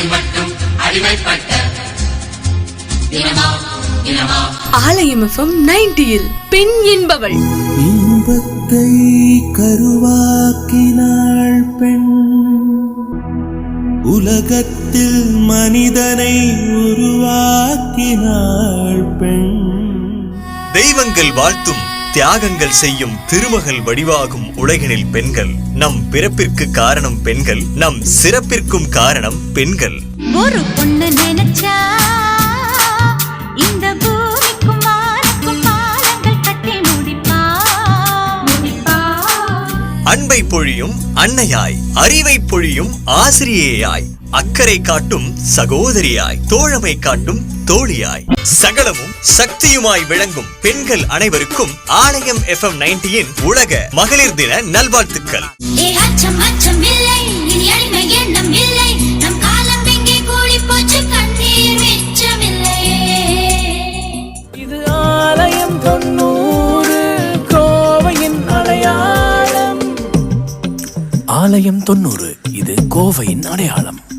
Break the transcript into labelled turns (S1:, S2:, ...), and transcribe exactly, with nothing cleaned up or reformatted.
S1: மட்டும் அடிமைப்பட்ட
S2: ஆலயம் எஃப்எம் நைன்டியில் பெண் என்பவள்
S3: இன்பத்தை கருவாக்கினாள் பெண், உலகத்தில் மனிதனை உருவாக்கினாள் பெண்.
S4: தெய்வங்கள் வாழ்த்தும் தியாகங்கள் செய்யும் திருமகள் வடிவாகும் உலகினில் பெண்கள். நம் பிறப்பிற்கு காரணம் பெண்கள், நம் சிறப்பிற்கும் காரணம் பெண்கள்.
S5: ஒரு பொண்ணு நினைச்சா இந்த பூமிக்கும் வானுக்கும் பாலங்கள் கட்டி முடிப்பா.
S4: அன்பை பொழியும் அன்னையாய், அறிவை பொழியும் ஆசிரியையாய், அக்கறை காட்டும் சகோதரியாய், தோழமை காட்டும் தோழியாய், சகலமும் சக்தியுமாய் விளங்கும் பெண்கள் அனைவருக்கும் ஆலயம் எஃப்எம் நைன்டியின் உலக மகளிர் தின நல்வாழ்த்துக்கள்.
S3: இது ஆலயம் தொண்ணூறு, கோவையின் அடையாளம். ஆலயம் தொண்ணூறு, இது கோவையின் அடையாளம்.